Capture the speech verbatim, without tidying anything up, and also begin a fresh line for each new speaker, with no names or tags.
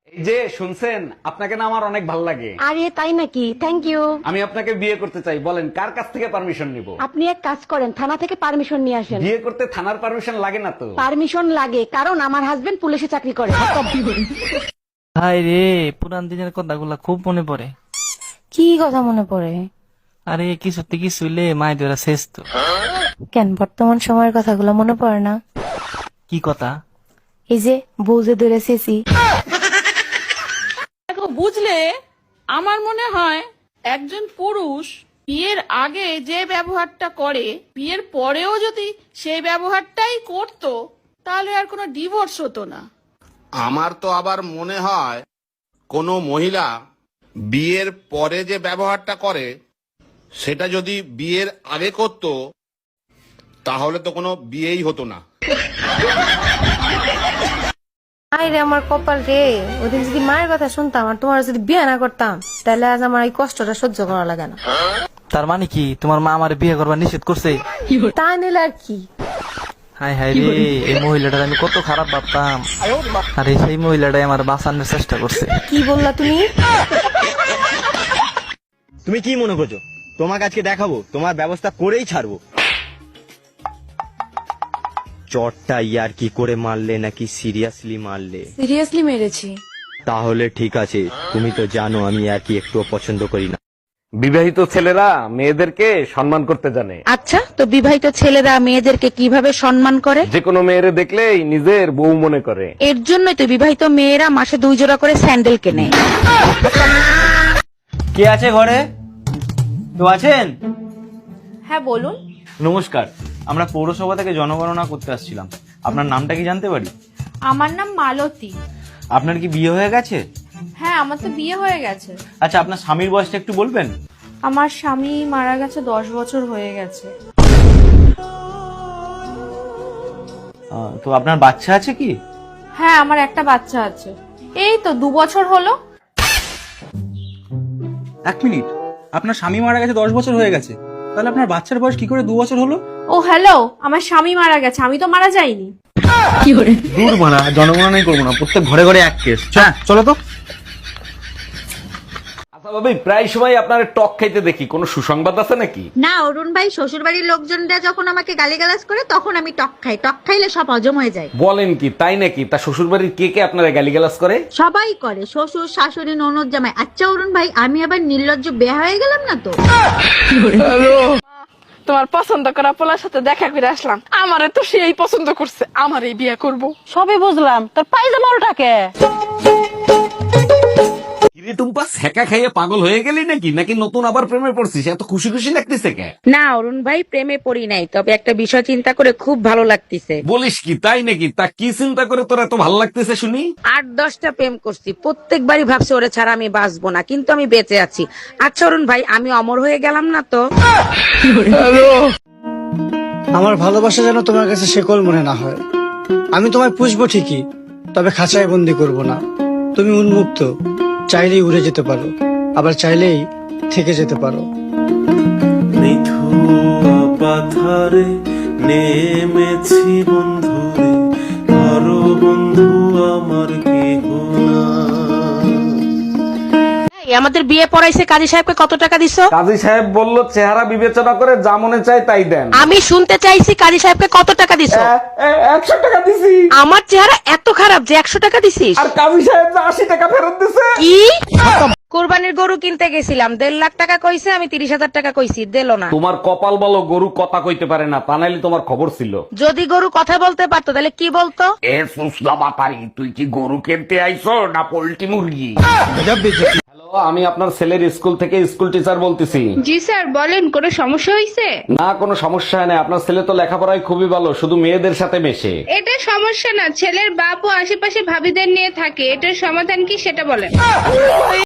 এই যে শুনছেন, আপনাকে না আমার অনেক ভালো লাগে।
আরে তাই নাকি? Thank you.
আমি আপনাকে বিয়ে করতে চাই, বলেন কার কাছ থেকে পারমিশন নিব?
আপনি এক কাজ করেন, থানা থেকে পারমিশন নিয়ে আসেন।
বিয়ে করতে থানার পারমিশন লাগে না তো?
পারমিশন লাগে, কারণ আমার হাজবেন্ড পুলিশে চাকরি করে।
হাই রে, পুরান দিনের কথাগুলা খুব মনে পড়ে।
কি কথা মনে পড়ে?
আরে কিছুতে কিছু হইলে মায়ের ধরা শেষ তো।
কেন বর্তমান সময়ের কথাগুলো মনে পড়ে না?
কি কথা?
এই যে বউ যে ধরে শেষি।
দেখো বুঝলে, আমার মনে হয় একজন পুরুষ বিয়ের আগে যে ব্যবহারটা করে বিয়ের পরেও যদি সেই ব্যবহারটাই করতো তাহলে আর কোনো ডিভোর্স হতো না।
আমার তো আবার মনে হয় কোনো মহিলা বিয়ের পরে যে ব্যবহারটা করে সেটা যদি বিয়ের আগে করত তাহলে তো কোনো বিয়েই হতো না।
আই রে আমার কপাল রে, ওদিন যদি মায়ের কথা শুনতাম আর তোমার যদি বিয়ে না করতাম তাহলে আজ আমার এই কষ্টটা সহ্য করা লাগে না।
তার মানে কি তোমার মা আমার বিয়ে করবার নিষেধ করছে?
তা নিলে আর কি।
হাই হাই রে, এই মহিলাটার আমি কত খারাপ ভাবতাম, আরে সেই মহিলাটাই আমার বাঁচানোর চেষ্টা করছে।
কি বললা তুমি?
তুমি কি মনে করছো তোমাকে আজকে দেখাবো? তোমার ব্যবস্থা করেই ছাড়বো। চটটা ইয়ার কি করে মারলে নাকি সিরিয়াসলি মারলে?
সিরিয়াসলি মেরেছি।
তাহলে ঠিক আছে, তুমি তো জানো আমি আর কি একটুও পছন্দ করি না।
বিবাহিত ছেলেরা মেয়েদেরকে সম্মান করতে জানে।
আচ্ছা, তো বিবাহিত ছেলেরা মেয়েদেরকে কিভাবে সম্মান করে?
যে কোনো মেয়েরে দেখলেই নিজের বউ মনে করে।
এর জন্যই তো বিবাহিত মেয়েরা মাসে দুই জোড়া করে স্যান্ডেল কেনে।
কে আছে ঘরে? তো আছেন?
হ্যাঁ বলুন।
নমস্কার, আমরা পৌরসভা থেকে জনগণনা করতে আসছিলাম। আপনার নামটা কি জানতে পারি?
আমার নাম মালতী।
আপনার কি বিয়ে হয়ে গেছে?
হ্যাঁ, আমার তো বিয়ে হয়ে গেছে।
আচ্ছা, আপনার স্বামীর বয়সটা একটু বলবেন?
আমার স্বামী মারা গেছে দশ বছর হয়ে গেছে।
আহ, তো আপনার বাচ্চা আছে কি?
হ্যাঁ, আমার একটা বাচ্চা আছে, এই তো দু বছর হলো।
এক মিনিট, আপনার স্বামী মারা গেছে দশ বছর হয়ে গেছে, তাহলে আপনার বাচ্চার বয়স কি করে দু বছর হলো?
ও হ্যালো, আমার স্বামী মারা গেছে, আমি তো মারা যাইনি।
দূর মারা, জনগণনাই করবো না, প্রত্যেক ঘরে ঘরে এক কেস। হ্যাঁ চলো তো।
আচ্ছা ভাবি, প্রায় সময় আপনার টক খাইতে দেখি, কোনো সুসংবাদ আছে নাকি?
না অরুণ ভাই, শ্বশুর বাড়ির লোকজনরা যখন আমাকে গালিগালাজ করে তখন আমি টক খাই। টক খাইলে সব হজম হয়ে যায়।
বলেন কি, তাই নাকি? তা শ্বশুর বাড়ির কে কে আপনারা গালিগালাজ করে?
সবাই করে, শ্বশুর শাশুড়ি ননদ জামাই। আচ্ছা অরুণ ভাই, আমি আবার নির্লজ্জ বেয়া হয়ে গেলাম না তো?
তোমার পছন্দ করা পোলার সাথে দেখা করে আসলাম, আমারে তো সেই পছন্দ করছে, আমারই বিয়ে করব।
সবই বুঝলাম, তোর পায়জামা উল্টাকে।
কিরে টুম্পা, সেকা খাইয়ে পাগল হয়ে গেলি নাকি? নাকি নতুন আবার প্রেমে পড়ছিস? এত খুশি খুশি লাগতেছে কে?
না অরুণ ভাই, প্রেমে পড়ি নাই, তবে একটা বিষয় চিন্তা করে খুব ভালো লাগতেছে।
বলিস কি, তাই নাকি? তা কি চিন্তা করে তোর এত ভালো লাগতেছে শুনি?
আট দশটা প্রেম করছি, প্রত্যেকবারই ভাবছি ওরে ছাড়া আমি বাঁচবো না, কিন্তু আমি বেঁচে আছি। আচ্ছা অরুণ ভাই, আমি অমর হয়ে গেলাম না তো?
আমার ভালোবাসা যেন তোমার কাছে শেকল মনে না হয়। আমি তোমায় পুষবো ঠিকই, তবে খাঁচায় বন্দি করব না। তুমি উন্মুক্ত, চাইলেই উড়ে যেতে পারো, আবার চাইলেই থেকে যেতে পারো।
পাথারে নেমেছি বন্ধুরে, ধরো বন্ধু আমার কেহ না।
আমাদের বিয়ে পড়াইছে কাজী সাহেবকে কত টাকা দিছো?
কাজী সাহেব বলল চেহারা বিবেচনা করে যা মনে চায় তাই দেন।
আমি শুনতে চাইছি কাজী সাহেবকে কত টাকা দিছো?
একশো টাকা দিছি।
আমার চেহারা এত খারাপ যে একশো টাকা দিছিস?
আর কাজী সাহেব যে আশি টাকা ফেরত দিছে।
কি? কোরবানির গরু কিনতে গেছিলাম, দেড় লাখ টাকা কইছে, আমি তিরিশ হাজার টাকা কইছি, দিল না।
তোমার কপাল বলো গরু কথা কইতে পারে না, তা নাইলে তোমার খবর ছিল।
যদি গরু কথা বলতে পারতো তাহলে কি বলতো?
এ সুসলা বাপারি, তুই কি গরু কিনতে আইছো না পোল্ট্রি মুরগি? হ্যালো, আমি আপনার ছেলের স্কুল থেকে স্কুল টিচার বলতেছি।
জি স্যার, বলেন, কোনো সমস্যা হয়েছে?
না, কোনো সমস্যা নেই, আপনার ছেলে তো লেখাপড়ায় খুবই ভালো, শুধু মেয়েদের সাথে মেশে।
এটা সমস্যা না, ছেলের বাপ ও আশেপাশে ভাবিদের নিয়ে থাকে, এটার সমাধান কি সেটা বলেন।